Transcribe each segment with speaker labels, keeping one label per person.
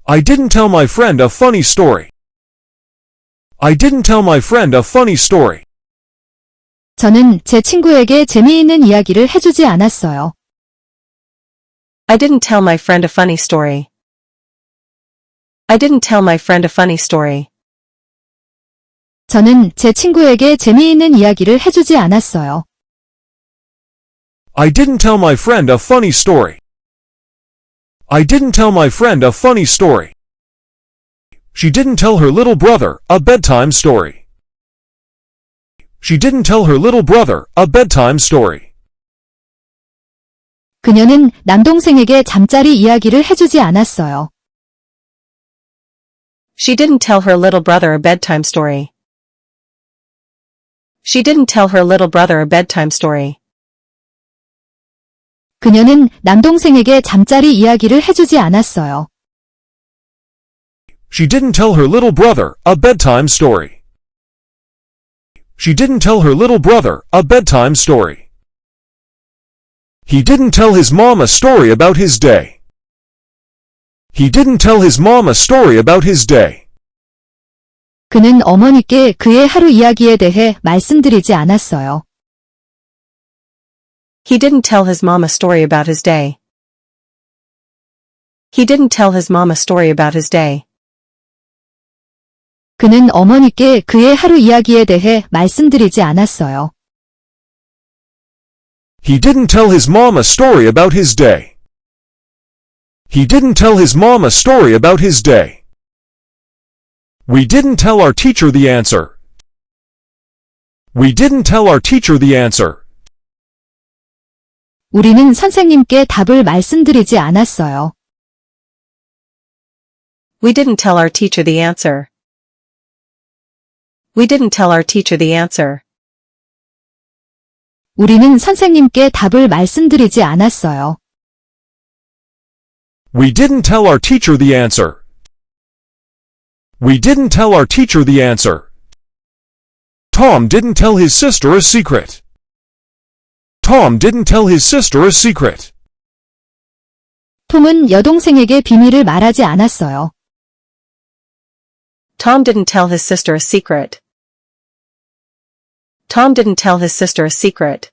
Speaker 1: I didn't tell my friend a funny story. I didn't tell my friend a funny story.
Speaker 2: 저는 제 친구에게 재미있는 이야기를 해주지 않았어요.
Speaker 3: I didn't tell my friend a funny story. I didn't tell my friend a funny story.
Speaker 2: 저는 제 친구에게 재미있는 이야기를 해주지 않았어요.
Speaker 1: I didn't tell my friend a funny story. I didn't tell my friend a funny story. She didn't tell her little brother a bedtime story. She didn't tell her little brother a bedtime story.
Speaker 2: 그녀는 남동생에게 잠자리 이야기를 해주지 않았어요.
Speaker 3: She didn't tell her little brother a bedtime story. She didn't tell her little brother a bedtime story.
Speaker 2: 그녀는 남동생에게 잠자리 이야기를 해주지 않았어요.
Speaker 1: She didn't tell her little brother a bedtime story. She didn't tell her little brother a bedtime story. He didn't tell his mom a story about his day. He didn't tell his mom a story about his day.
Speaker 2: 그는 어머니께 그의 하루 이야기에 대해 말씀드리지 않았어요.
Speaker 3: He didn't tell his mom a story about his day. He didn't tell his mom a story about his day.
Speaker 2: 그는 어머니께 그의 하루 이야기에 대해 말씀드리지 않았어요.
Speaker 1: He didn't tell his mom a story about his day. He didn't tell his mom a story about his day. We didn't tell our teacher the answer. We didn't tell our teacher the answer.
Speaker 2: 우리는 선생님께 답을 말씀드리지 않았어요.
Speaker 3: We didn't tell our teacher the answer. We didn't tell our teacher the answer.
Speaker 2: 우리는 선생님께 답을 말씀드리지 않았어요.
Speaker 1: We didn't tell our teacher the answer. We didn't tell our teacher the answer. Tom didn't tell his sister a secret. Tom didn't tell his sister a secret.
Speaker 2: 톰은 여동생에게 비밀을 말하지 않았어요.
Speaker 3: Tom didn't tell his sister a secret. Tom didn't tell his sister a secret.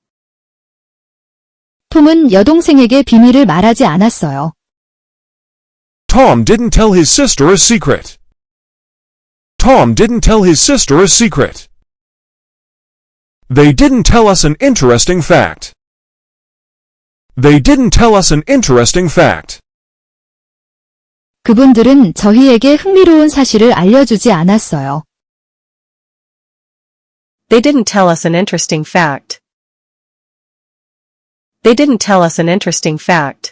Speaker 2: 톰은 여동생에게 비밀을 말하지 않았어요.
Speaker 1: Tom didn't tell his sister a secret. Tom didn't tell his sister a secret. They didn't tell us an interesting fact. They didn't tell us an interesting fact.
Speaker 2: 그분들은 저희에게 흥미로운 사실을 알려주지 않았어요.
Speaker 3: They didn't tell us an interesting fact. They didn't tell us an interesting fact.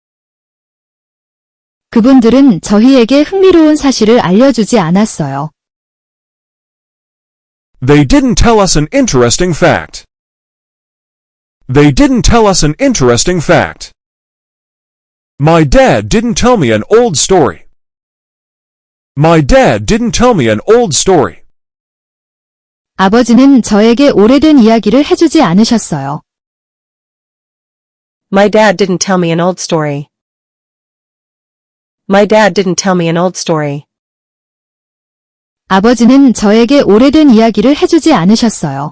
Speaker 2: 그분들은 저희에게 흥미로운 사실을 알려주지 않았어요.
Speaker 1: They didn't tell us an interesting fact. They didn't tell us an interesting fact. My dad didn't tell me an old story. My dad didn't tell me an old story.
Speaker 2: 아버지는 저에게 오래된 이야기를 해주지 않으셨어요.
Speaker 3: My dad didn't tell me an old story. My dad didn't tell me an old story.
Speaker 2: 아버지는 저에게 오래된 이야기를 해주지 않으셨어요.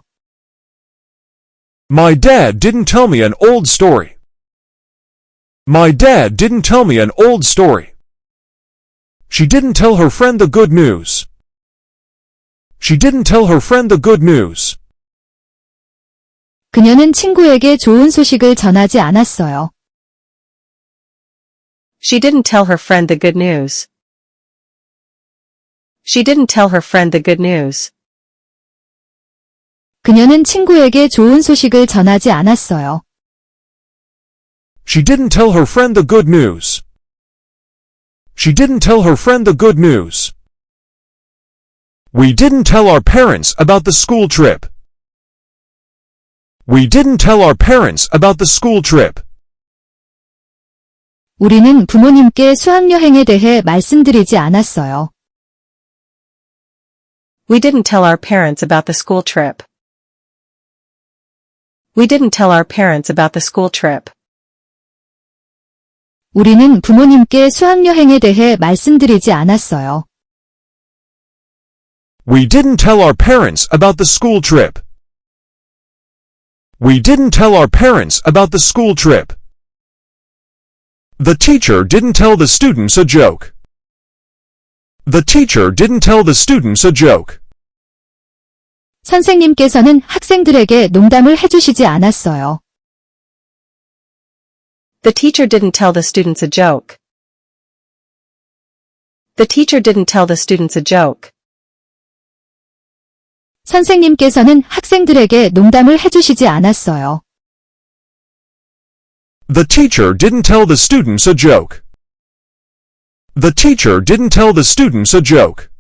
Speaker 1: My dad didn't tell me an old story. My dad didn't tell me an old story. She didn't tell her friend the good news. She didn't tell her friend the good news.
Speaker 2: 그녀는 친구에게 좋은 소식을 전하지 않았어요.
Speaker 3: She didn't tell her friend the good news. She didn't tell her friend the good news.
Speaker 2: 그녀는 친구에게 좋은 소식을 전하지 않았어요.
Speaker 1: She didn't tell her friend the good news. She didn't tell her friend the good news. We didn't tell our parents about the school trip. We didn't tell our parents about the school trip.
Speaker 2: 우리는 부모님께 수학여행에 대해 말씀드리지 않았어요.
Speaker 3: We didn't tell our parents about the school trip. We didn't tell our parents about the school trip.
Speaker 2: 우리는 부모님께 수학여행에 대해 말씀드리지 않았어요.
Speaker 1: We didn't tell our parents about the school trip. We didn't tell our parents about the school trip. The teacher didn't tell the students a joke. The teacher didn't tell the students a joke.
Speaker 2: 선생님께서는 학생들에게 농담을 해주시지 않았어요.
Speaker 3: The teacher didn't tell the students a joke. The teacher didn't tell the students a joke.
Speaker 2: 선생님께서는 학생들에게 농담을 해주시지 않았어요.
Speaker 1: The teacher didn't tell the students a joke. The teacher didn't tell the students a joke.